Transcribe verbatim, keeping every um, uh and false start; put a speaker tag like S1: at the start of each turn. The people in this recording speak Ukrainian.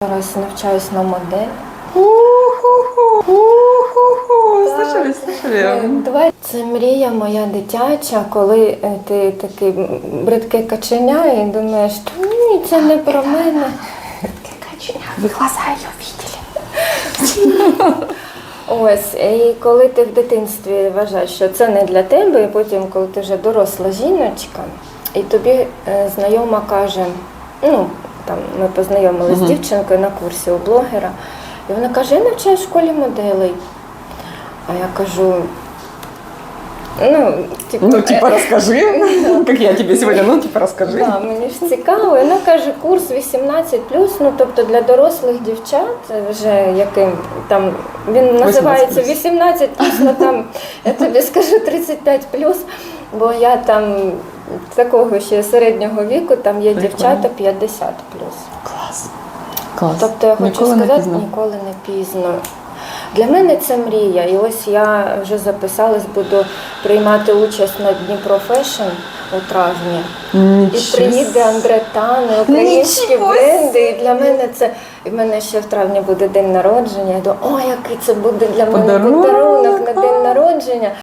S1: Зараз навчаюсь на модель.
S2: Слышали, слышали?
S1: Давай. Це мрія моя дитяча, коли ти такий бридке каченя і думаєш, та ні, це не про мене. Бридке каченя, ви глаза її бачили. Ось, і коли ти в дитинстві вважаєш, що це не для тебе, і потім, коли ти вже доросла жіночка, і тобі знайома каже, ну, там ми познайомилися uh-huh. з дівчинкою на курсі у блогера, і вона каже, я навчаю в школі моделей. А я кажу, ну, типу,
S2: ну, типа, розкажи, як я тобі сьогодні, ну, типа, розкажи.
S1: Да, мені ж цікаво. І вона каже, курс вісімнадцять плюс, ну, тобто для дорослих дівчат, вже яким там, він називається вісімнадцять плюс, ну, там, я тобі скажу тридцять п'ять плюс, бо я там такого ще середнього віку, там є Прикольно. Дівчата п'ятдесят плюс.
S2: Клас. Клас.
S1: Тобто я хочу
S2: ніколи
S1: сказати,
S2: не
S1: ніколи не пізно. Для мене це мрія, і ось я вже записалась, буду приймати участь на Дніпро Фешн у травні.
S2: Нічого.
S1: І приїде Андре Тане, українські бренди, і для мене це, і в мене ще в травні буде день народження, я думаю, о, який це буде для мене
S2: подарунок,
S1: подарунок на день народження.